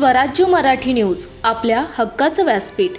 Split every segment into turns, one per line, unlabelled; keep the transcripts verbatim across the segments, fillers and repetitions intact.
स्वराज्य मराठी न्यूज, आपल्या हक्काचं व्यासपीठ।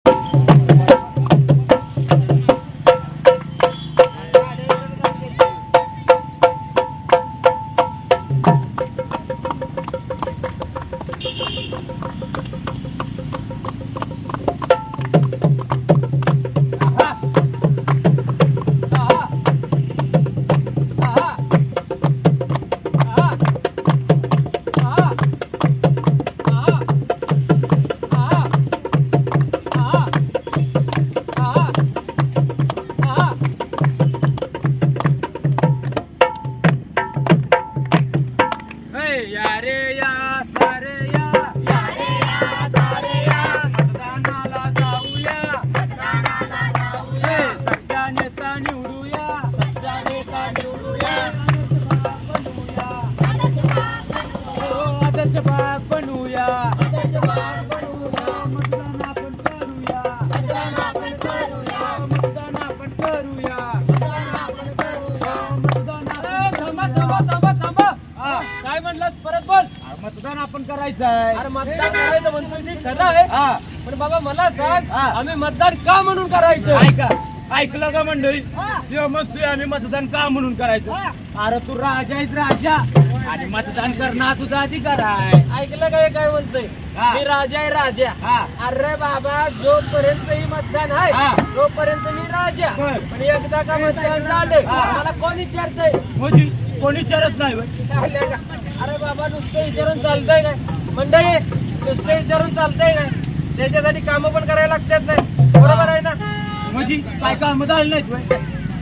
काय म्हणलं परत बोल.
मतदान आपण करायचं आहे.
अरे मतदान करायचं म्हणतोय ते खरं आहे, पण बाबा मला सांग आम्ही मतदान का म्हणून करायचं?
ऐका ऐकलं का मंडळी? किंवा मग तू आम्ही मतदान का म्हणून करायचं? अरे तू राजा आहेस राजा आणि मतदान करणं हा तुझा अधिकार आहे.
ऐकलं काय काय म्हणतोय? मी राजा आहे राजा. अरे बाबा जोपर्यंत ही मतदान आहे तोपर्यंत मी राजा, पण एकदा का मतदान झालं मला कोण विचारतंय?
म्हणजे कोणी विचारत नाही होय.
अरे बाबा नुसतं विचारून चालतंय काय? मंडळी नुसतं विचारून चालतंय काय? त्याच्यासाठी कामं पण करायला लागतात नाही, बरोबर आहे ना?
म्हणजे काय काम झालं नाहीत होय?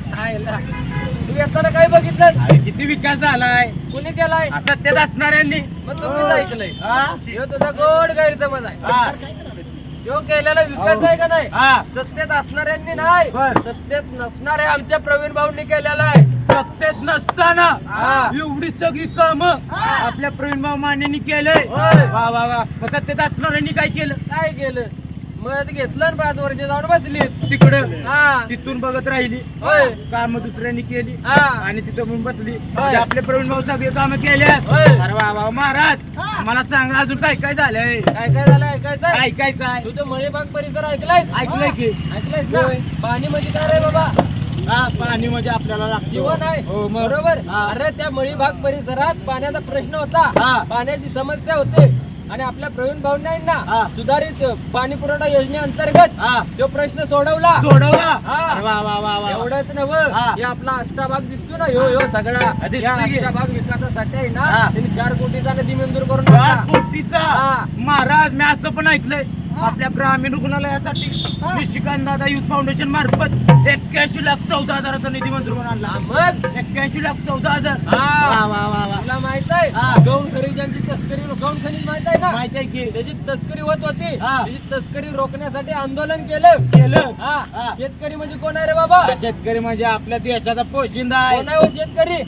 तू येताना काय बघितलं?
अरे किती विकास झालाय.
कुणी केलाय?
सत्तेत असणाऱ्यांनी.
मग तुम्हीच ऐकलंय. ह्यो तुझा गोड गैरसमज आहे. ह्यो केलेला विकास आहे का नाही? सत्तेत असणाऱ्यांनी नाही, सत्तेत नसणाऱ्या आमच्या प्रवीण भाऊंनी केलेला आहे.
सत्तेत नसताना एवढी सगळी काम आपल्या प्रवीण भाऊ मानेनी केलंय. वा वा वा. सत्तेत असणाऱ्यांनी काय केलं?
काय केलं? मग घेतलं ना पाच वर्ष जाऊन बसली
तिकडं.
हा
तिथून बघत राहिली.
होय.
काम दुसऱ्यांनी केली
हा
आणि तिथं म्हणून बसली.
होय.
आपले प्रवीण भाऊ सगळे काम केल्या.
होय.
अरे वा वा महाराज, मला सांगा अजून काय काय झालंय?
काय काय झालं ऐकायचं?
ऐकायचं आहे.
तुझं मळीबाग परिसर ऐकलाय?
ऐकलंय की?
ऐकलायस ना? पाणी म्हणजे काय रे बाबा?
हा पाणी म्हणजे आपल्याला लागतं.
जीवन आहे.
हो मग.
बरोबर.
हा.
अरे त्या मळीबाग परिसरात पाण्याचा प्रश्न होता,
हा.
पाण्याची समस्या होते आणि आपल्या प्रवीण भाऊंना ना
हा.
सुधारित पाणी पुरवठा योजनेअंतर्गत
हा
तो प्रश्न सोडवला.
सोडवला.
हा.
अरे वा वा वा वा.
एवढंच नव्हं,
हा.
हे आपला अष्टाभाग दिसतो ना, ह्यो ह्यो सगळा
दिसतोय
या
की?
अष्टाभाग विकासासाठी आहे ना,
हा.
त्यांनी चार कोटीचा निधी मंजूर करून
चार
टाकला.
कोटीचा.
हा.
महाराज मी असं पण ऐकलंय आपल्या ग्रामीण रुग्णालयासाठी निशिकांत दादा युथ फाउंडेशन मार्फत एक्क्याऐंशी लाख चौदा हजाराचा निधी मंजूर करून आणला.
मग
एक्क्याऐंशी लाख चौदा हजार.
हा.
वा वा वा वा.
तुला माहित आहे
हा.
गौण खनिजांची तस्करी गौण खनिज माहित आहे ना?
माहिती आहे की?
त्याची तस्करी होत होती.
हा.
त्याची तस्करी रोखण्यासाठी आंदोलन केलं
केलं.
हा.
हा.
शेतकरी म्हणजे कोण आहे रे बाबा?
शेतकरी म्हणजे आपल्या देशाचा पोशिंदा आहे.
कोण आहे हो शेतकरी?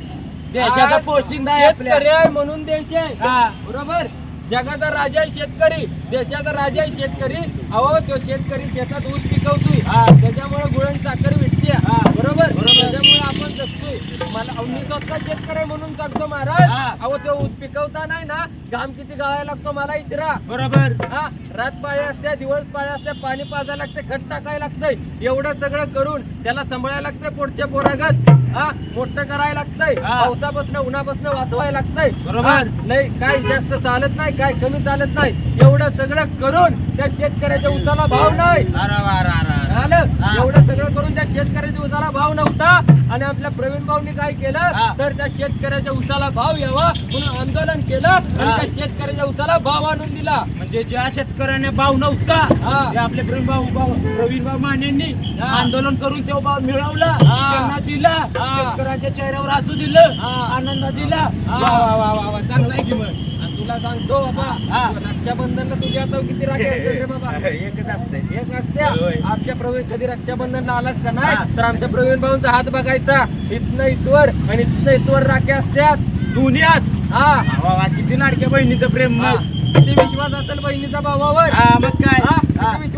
देशाचा
आज
पोशिंदा आहे आपल्या.
शेतकरी आहे म्हणून देश आहे.
हा.
बरोबर. जगाचा राजा आहे शेतकरी, देशाचा राजा आहे शेतकरी. अहो तो शेतकरी शेतात ऊस पिकवतोय,
हा.
त्याच्यामुळे गुळण साखर भेटते.
हा.
बरोबर.
बरोबर.
त्याच्यामुळे आपण जगतोय. मला मी स्वतः शेतकरी आहे म्हणून जगतो महाराज.
हा.
अहो तो ऊस पिकवता नाही ना, घाम किती गाळायला लागतो मला इचरा.
बरोबर.
हा. रात पाळ्या असत्या, दिवस पाळ्या असत्या, पाणी पाजायला लागते, खत टाकायला लागतंय. एवढं सगळं करून त्याला सांभाळायला लागतंय पुढच्या पोरागत. हा मोठं करायला लागतंय,
हा.
पावसापासून उन्हापासून वाचवायला लागतंय.
बरोबर.
हा. नाही काय जास्त चालत नाही, काय कमी चालत नाही. एवढं सगळं करून त्या शेतकऱ्याच्या उसाला भाव नाही.
अरे वा रा रा.
झालं.
हा.
एवढं सगळं करून त्या शेतकऱ्याच्या उसाला भाव नव्हता आणि आपल्या प्रवीण भाऊंनी काय
हा.
केलं तर त्या शेतकऱ्याच्या उसाला भाव यावा म्हणून आंदोलन केलं आणि
हा.
त्या शेतकऱ्याच्या उसाला भाव आणून दिला.
म्हणजे ज्या शेतकऱ्याने भाव नव्हता
हा.
ते आपले प्रवीण भाऊ भाऊ- प्रवीण भाऊ मानेंनी
हा.
आंदोलन करून तो भाव मिळवला,
हा.
त्यांना दिला,
हा.
शेतकऱ्याच्या चेहऱ्यावर हसू दिलं,
हा.
आनंद दिला.
हा.
वा वा वा वा वा. चांगला आहे की मग.
आणि तुला सांगतो बाबा,
हा.
रक्षाबंधनला तुझ्या आता किती राखी असतात रे बाबा?
एकच असते.
एक असत्या.
होय.
आमच्या प्रवीण कधी रक्षाबंधनला आलाच का
हा.
नाही तर आमच्या प्रवीण भाऊंचा हात बघायचा, इथनं इथवर आणि इथनं इथवर राख्या असत्यात.
दुनियात
हा.
वा वा. किती लाडक्या बहिणीचं प्रेम
हा.
मग.
किती विश्वास असेल बहिणीचा भावावर?
हा, मग काय?
हा?
हा.
किती विश्वास असेल?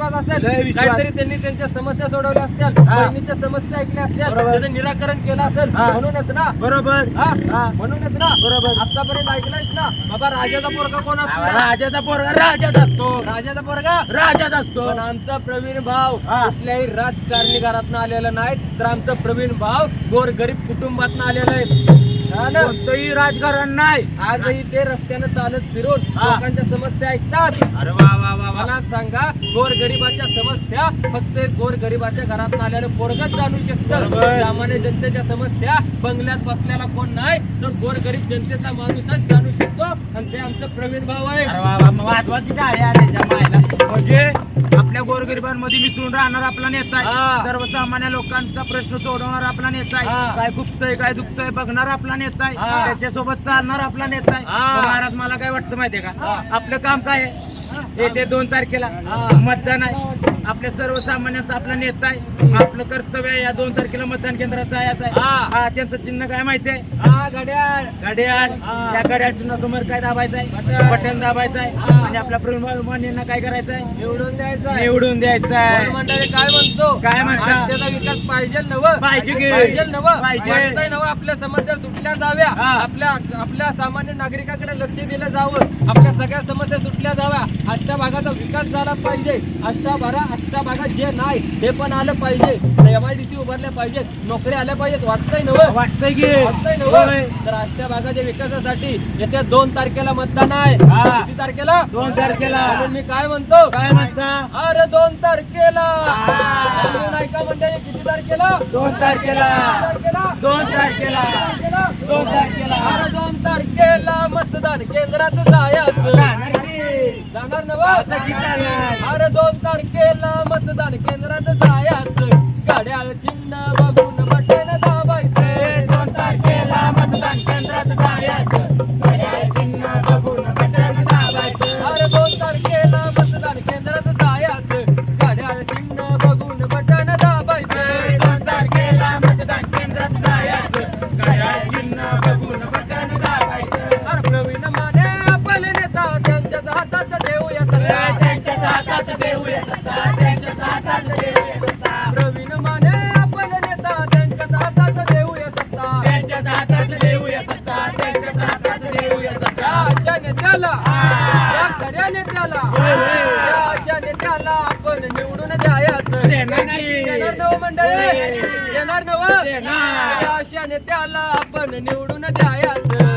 लय विश्वास.
काहीतरी त्यांनी त्यांच्या समस्या सोडवल्या असतील,
हा.
बहिणीच्या समस्या ऐकल्या असतील,
बरोबर.
त्याचं निराकरण केलं असेल,
हा.
म्हणूनच ना
बरोबर
हा?
हा.
म्हणूनच ना
बरोबर.
आतापर्यंत ऐकलंयस ना बाबा राजाचा पोरगा कोण असतो?
राजाचा पोरगा राजाच असतो,
राजाचा पोरगा
राजाच असतो.
पण आमचा प्रवीण भाव
हा.
कुठल्याही राजकारणी घरातनं आलेला नाही, तर आमचा प्रवीण भाव गोरगरीब कुटुंबातनं आलेला आहे. हा ना?
कोणतंही राजकारण नाही.
आजही ते रस्त्यानं चालत फिरून
हा.
लोकांच्या समस्या ऐकतात.
अरे वा वा वा वा.
मला सांगा गोरगरिबाच्या समस्या फक्त एक गोरगरिबाच्या घरात आल्यानं पोरगच जाणू शकतं.
बरोबर.
सामान्य जनतेच्या समस्या बंगल्यात बसलेला कोण नाही, तर गोरगरीब जनतेचा माणूसच जाणू शकतो, आणि ते आमचं प्रवीण भाऊ आहे.
अरे वा वा. महत्वाची आहे आज त्याच्या मायला. म्हणजे आपल्या गोरगरिबांमध्ये मिसळून राहणार आपला नेता
हा.
आहे, सर्वसामान्य लोकांचा प्रश्न सोडवणार आपला नेता
हा.
आहे, काय खुपतंय काय दुखतंय बघणार आपला नेता आहे,
हा.
त्याच्यासोबत चालणार आपला नेता आहे.
हा.
तर महाराज मला काय वाटतं माहितीये का,
हा.
आपलं काम काय आहे, येते दोन तारखेला
हा.
मतदान आहे. आपल्या सर्वसामान्यांचा आपला नेता आहे, आपलं कर्तव्य आहे या दोन तारखेला मतदान केंद्रात जायचं आहे.
हा.
हा, त्यांचं चिन्ह काय माहितीये,
हा घड्याळ
घड्याळ.
हा.
त्या घड्याळ चिन्हासमोर काय दाबायचं आहे,
बटन.
बटन दाबायचं आहे.
हा.
आणि आपल्या प्रवीण काय करायचं आहे,
निवडून द्यायचं
निवडून द्यायचं आहे.
मंडळी काय म्हणतो,
काय म्हणता?
राज्याचा विकास पाहिजे नवं
पाहिजे की?
पाहिजे नवं
पाहिजे.
वाटतंय नवं, आपल्या समस्या सुटल्या जाव्या,
हा.
आपल्या आपल्या सामान्य नागरिकाकडे लक्ष दिलं जावं, आपल्या सगळ्या समस्या सुटल्या जाव्या, आजच्या भागाचा विकास झाला पाहिजे, आजच्या भागा आजच्या भागात जे नाही ते पण आलं पाहिजे, एमआयडीसी उभारल्या पाहिजेत, नोकऱ्या आल्या पाहिजेत. वाटतंय नवं
वाटतंय की
वाटतंय नवं तर आजच्या भागाच्या विकासासाठी येत्या दोन तारखेला मतदान आहे.
हा.
किती तारखेला?
दोन तारखेला.
म्हणून मी काय म्हणतो,
काय म्हणता,
अरे दोन तारखेला
हा.
समजून ऐका मंडळी, किती तारखेला?
दोन तारखेला
तारखेला
दोन तारखेला
तारखेला?
दोन तारखेला
अरे दोन तारखेला मतदान केंद्रात जायचं,
जाणार की?
जाणार
असं
नवं?
की जाणार?
अरे दोन तारखेला मतदान केंद्रात जायचं, घड्याळ चिन्ह बघून बटन दाबायचं.
दोन तारखेला मतदान केंद्रात जायचं, घड्याळ चिन्ह बघून बटन दाबायचं.
अरे दोन तारखेला मतदान केंद्रात जायचं, घड्याळ चिन्ह बघून बटन दाबायचं.
दोन तारखेला मतदान केंद्रात जायचं, घड्याळ चिन्ह बघून बटन दाबायचं.
अरे प्रवीण माने आपले नेता, त्यांच्याच हातात देऊया सत्ता.
त्यांच्याच हातात देऊया सत्ता, त्यांच्याच हातात देऊया सत्ता.
प्रवीण माने आपले नेता, त्यांच्याच हातात देऊया सत्ता.
त्यांच्याच हातात देऊया सत्ता, त्यांच्याच हातात देऊया
या
सत्ता.
अशा नेत्याला,
हा.
या खऱ्या नेत्याला,
होय, होय.
या अशा नेत्याला आपण निवडून द्यायचं.
देणार की?
देणार नवं मंडळी,
होय.
देणार नवं?
देणार.
या अशा नेत्याला आपण निवडून द्यायचं.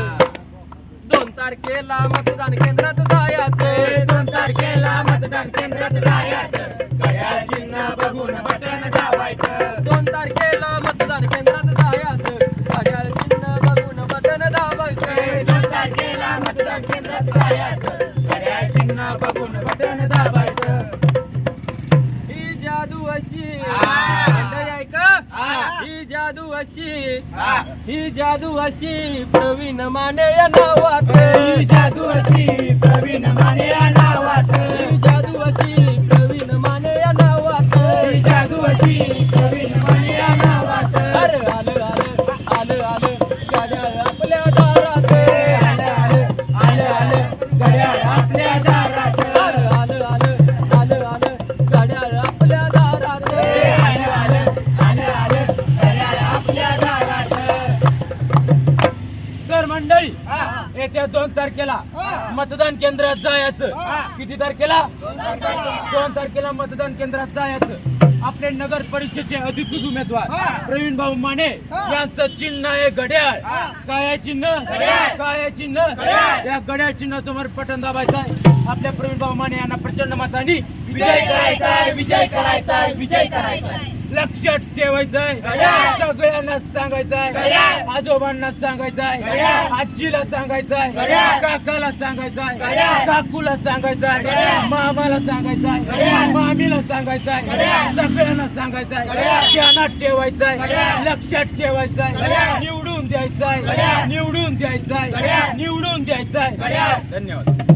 दोन तारखेला मतदान केंद्रात जायचं,
दोन तारखेला मतदान केंद्रात जायचं, घड्याळ चिन्ह बघून बटन दाबायचं.
दोन तारखेला मतदान केंद्रात जायचं, घड्याळ चिन्ह बघून बटन दाबायचं.
दोन तारखेला मतदान केंद्रात जायचं, घड्याळ चिन्ह बघून बटन दाबायचं.
ही जादू अशी
हा.
मंडळी ऐका,
हा.
ही जादू अशी,
हा.
ही जादू अशी प्रवीण माने या नावात,
ही जादू अशी प्रवीण माने या नावात,
ही जादू अशी प्रवीण माने या नावात.
ही जादू अशी प्रवीण माने या नावात.
अरे आलं आलं आलं आलं गाड्या आपल्या दारात,
आलं आलं आलं आलं घड्याळ आपल्या दारात.
अरे आलं आलं आलं आलं गाड्या आपल्या दारात.
आलं आलं आलं आलं घड्याळ आपल्या दारात. तर मंडळी येत्या दोन तारखेला मतदान केंद्रात जायचं. किती तारखेला? दोन तारखेला मतदान केंद्रात जायचं. आपले नगर परिषदेचे अधिकृत उमेदवार प्रवीण भाऊ माने यांचं चिन्ह आहे घड्याळ. काय आहे चिन्ह? काय आहे चिन्ह? या घड्याळ चिन्हासमोर बटन दाबायचं आहे. आपल्या प्रवीण भाऊ माने यांना प्रचंड मतांनी विजय करायचा आहे, विजय करायचा आहे, विजय करायचा आहे. लक्षात ठेवायचंय, सगळ्यांना सांगायचंय, आजोबांना सांगायचंय, आजीला सांगायचंय, काकाला सांगायचंय, काकूला सांगायचंय, मामाला सांगायचंय, मामीला सांगायचंय, सगळ्यांना सांगायचंय, ध्यानात ठेवायचंय, लक्षात ठेवायचंय, निवडून द्यायचंय, निवडून द्यायचंय, निवडून द्यायचंय. धन्यवाद.